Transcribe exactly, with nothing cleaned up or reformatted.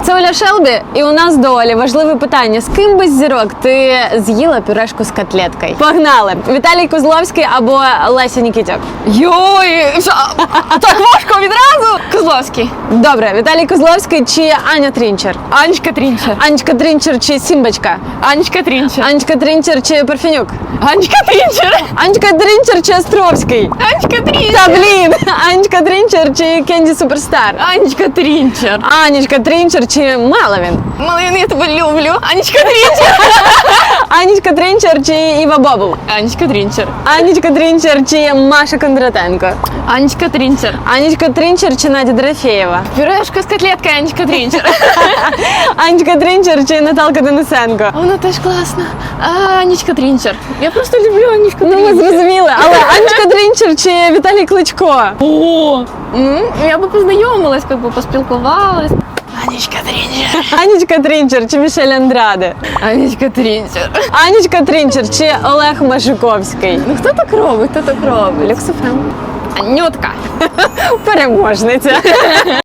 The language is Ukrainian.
Це Оля Шелбі, і у нас до Олі важливе питання. З ким без зірок ти з'їла пюрешку з котлеткою? Погнали! Віталій Козловський або Леся Нікітюк? Йой, що, так важко відразу? Козловський. Добре, Віталій Козловський чи Аня Трінчер? Анечка Трінчер. Анечка Трінчер чи Сімбочка? Анечка Трінчер. Анечка Трінчер чи Парфенюк? Анечка Трінчер. Анечка Трінчер чи Островський? Анечка Та Трінчер. блін! Анечка Трінчер чи Кенді Суперстар? Анечка Трінчер. Анечка Трінчер чи Маловін? Малин, я тебе люблю. Анечка Трінчер. Анечка Трінчер чи Іва Бобул? Анечка Трінчер. Анечка Трінчер чи Маша Кондратенко? Анечка Трінчер. Анечка Трінчер чи Надя Дорофєєва? Пюрешка з котлеткою Анечка Трінчер. Анечка Трінчер чи Наталка Денисенко? Вона теж класна. А, Анечка Трінчер. Я просто люблю Анечку Ну, ми Трінчер. зрозуміли, але Анечка Трінчер чи Віталій Кличко? О, м, я би познайомилась, как бы поспілкувалась. Анечка Трінчер. Анечка Трінчер чи Мішель Андраде? Анечка Трінчер. Анечка Трінчер чи Олег Машуковський? Ну хто так робить? Хто так робить? Люксофем. Анютка. Переможниця.